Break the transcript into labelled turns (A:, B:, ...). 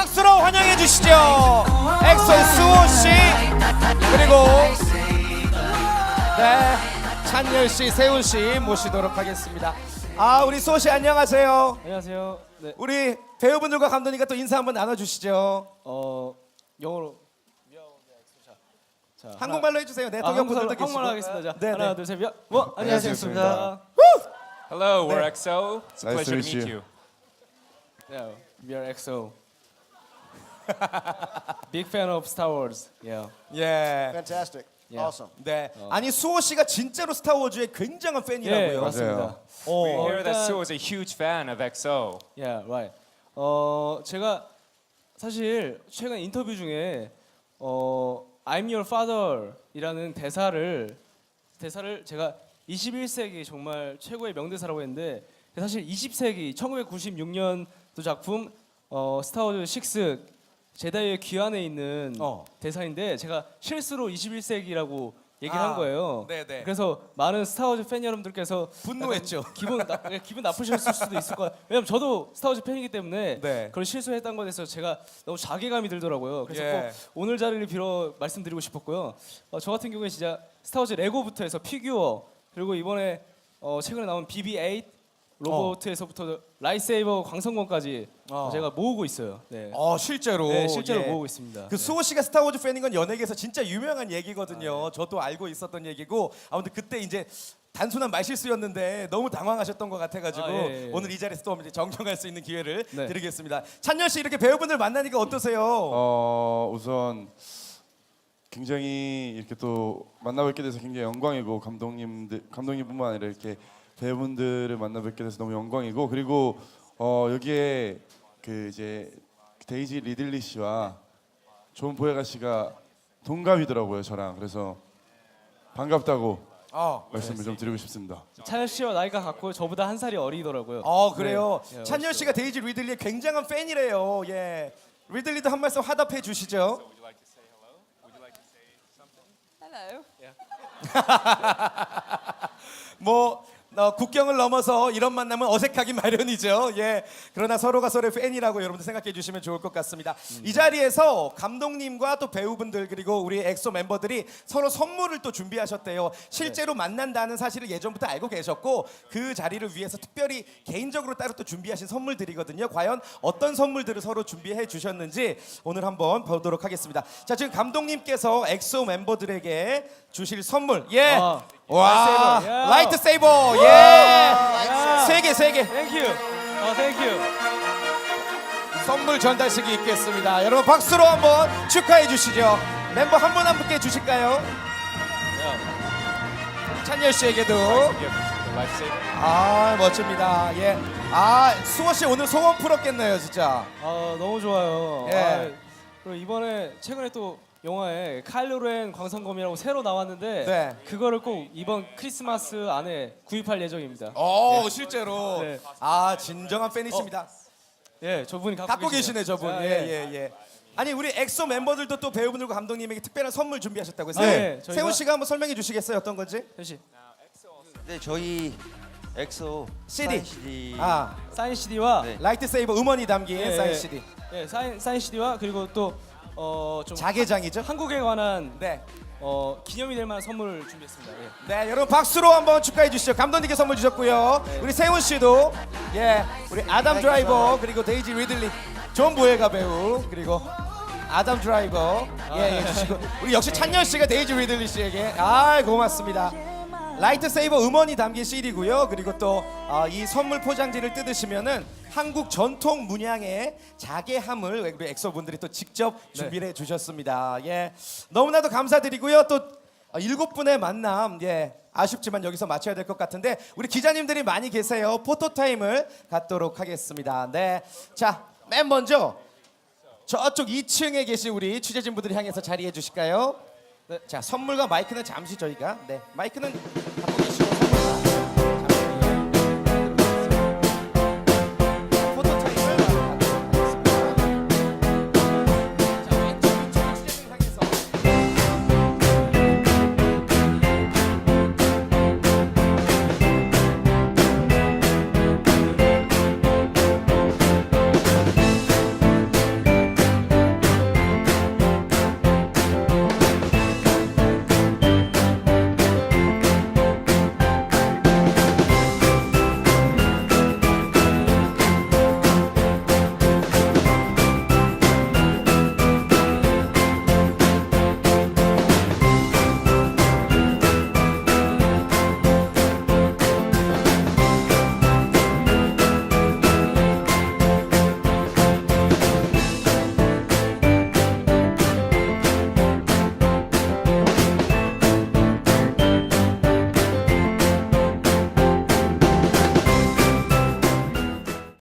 A: 박수로 환영해 주시죠. 엑소의 수호 씨 그리고 네 찬열 씨, 세훈 씨 모시도록 하겠습니다. 아 우리 수호 씨 안녕하세요.
B: 안녕하세요. 네.
A: 우리 배우분들과 감독님과 또 인사 한번 나눠주시죠.
B: 영어로 자,
A: 한국말로 해주세요. 네, 동영분들도 계시고.
B: 한국말로 하겠습니다. 자,
A: 네,
B: 하나,
A: 네.
B: 둘, 셋, 안녕하세요.
C: Hello, we're EXO. It's a
D: Nice
C: pleasure
D: to
C: to
D: meet
C: meet
D: you.
C: you.
B: Yeah, we are EXO. Big fan of Star Wars. Yeah.
A: 예.
E: Fantastic.
B: Yeah.
E: Awesome.
A: 네. 아니 수호 씨가 진짜로 스타워즈의 굉장한
B: 예,
A: 팬이라고요.
B: 맞습니다.
C: We hear that
B: 일단-
C: Sue is a huge fan of EXO.
B: Yeah, right. 제가 사실 최근 인터뷰 중에 I'm your father이라는 대사를 제가 21세기 정말 최고의 명대사라고 했는데 사실 20세기 1996년도 작품 스타워즈 6 제다이의 귀환에 있는 대사인데 제가 실수로 21세기라고 얘기를 한 거예요.
A: 네네.
B: 그래서 많은 스타워즈 팬 여러분들께서
A: 분노했죠.
B: 약간 기분 나쁘셨을 수도 있을 거예요. 왜냐면 저도 스타워즈 팬이기 때문에
A: 네.
B: 그런 실수했던 것에 대해서 제가 너무 자괴감이 들더라고요. 그래서
A: 예.
B: 꼭 오늘 자리를 빌어 말씀드리고 싶었고요. 저 같은 경우에 진짜 스타워즈 레고부터 해서 피규어 그리고 이번에 최근에 나온 BB-8 로봇에서부터 라이트세이버 광선검까지 제가 모으고 있어요. 네.
A: 실제로.
B: 네, 실제로
A: 예.
B: 모으고 있습니다.
A: 그 수호 씨가 스타워즈 팬인 건 연예계에서 진짜 유명한 얘기거든요. 저도 알고 있었던 얘기고 아무튼 그때 이제 단순한 말실수였는데 너무 당황하셨던 것 같아가지고
B: 예.
A: 오늘 이 자리에서 또 이제 정정할 수 있는 기회를
B: 네.
A: 드리겠습니다. 찬열 씨 이렇게 배우분들 만나니까 어떠세요?
D: 우선 굉장히 이렇게 또 만나뵙게 돼서 굉장히 영광이고 감독님뿐만 아니라 이렇게 배우분들을 만나뵙게 돼서 너무 영광이고 그리고 여기에 그 이제 데이지 리들리 씨와 존 보예가 씨가 동갑이더라고요 저랑. 그래서 반갑다고 말씀을 좀 드리고 싶습니다.
B: 찬열 씨와 나이가 같고 저보다 한 살이 어리더라고요.
A: 그래요.
B: 네.
A: 찬열 씨가 데이지 리들리의 굉장한 팬이래요. 예. 리들리도 한 말씀 화답해 주시죠. 뭐 국경을 넘어서 이런 만남은 어색하기 마련이죠. 예. 그러나 서로가 서로의 팬이라고 여러분들 생각해 주시면 좋을 것 같습니다. 이 자리에서 감독님과 또 배우분들 그리고 우리 엑소 멤버들이 서로 선물을 또 준비하셨대요. 실제로 만난다는 사실을 예전부터 알고 계셨고 그 자리를 위해서 특별히 개인적으로 따로 또 준비하신 선물들이거든요. 과연 어떤 선물들을 서로 준비해 주셨는지 오늘 한번 보도록 하겠습니다. 자, 지금 감독님께서 엑소 멤버들에게 주실 선물. 예. 와, 라이트 세이버. 예. 세 개.
B: 땡큐. 땡큐.
A: 선물 전달식이 있겠습니다. 여러분 박수로 한번 축하해 주시죠. 멤버 한 분 한 분께 주실까요? 찬열 씨에게도.
C: Gift, the lifesaver.
A: 멋집니다. 예. 수호 씨 오늘 소원 풀었겠네요, 진짜.
B: 너무 좋아요.
A: 예.
B: 그리고 이번에 최근에 또 영화에 카일로 렌 광선검이라고 새로 나왔는데
A: 네.
B: 그거를 꼭 이번 크리스마스 안에 구입할 예정입니다.
A: 실제로.
B: 네.
A: 진정한 팬이십니다.
B: 예, 저분이
A: 갖고 계시네, 저분.
B: 아,
A: 예. 아니 우리 엑소 멤버들도 또 배우분들과 감독님에게 특별한 선물 준비하셨다고 했어요.
B: 네, 저희가-
A: 세훈 씨가 한번 설명해 주시겠어요, 어떤 건지?
B: 혜씨
E: 네, 저희 엑소
A: CD.
E: 사인 CD.
B: 사인 CD와
E: 네.
A: 라이트 세이버 음원이 담긴
B: 예,
A: 사인
B: 예.
A: CD.
B: 사인 CD와 그리고 또 좀
A: 자개장이죠?
B: 한국에 관한
A: 네.
B: 기념이 될 만한 선물을 준비했습니다. 예.
A: 네, 여러분 박수로 한번 축하해 주시죠. 감독님께 선물 주셨고요. 우리 세훈 씨도 우리 아담 드라이버 그리고 데이지 리들리, 존 보예가 배우 그리고 아담 드라이버 주시고 우리 역시 찬열 씨가 데이지 리들리 씨에게 고맙습니다. 라이트 세이버 음원이 담긴 CD고요. 그리고 또 이 선물 포장지를 뜯으시면은 한국 전통 문양의 자개함을 우리 엑소 분들이 또 직접 준비를 해주셨습니다. 예, 너무나도 감사드리고요. 또 7분의 만남 아쉽지만 여기서 마쳐야 될 것 같은데 우리 기자님들이 많이 계세요. 포토 타임을 갖도록 하겠습니다. 네, 자, 맨 먼저 저쪽 2층에 계신 우리 취재진분들이 향해서 자리해 주실까요? 네, 자, 선물과 마이크는 잠시 저희가 마이크는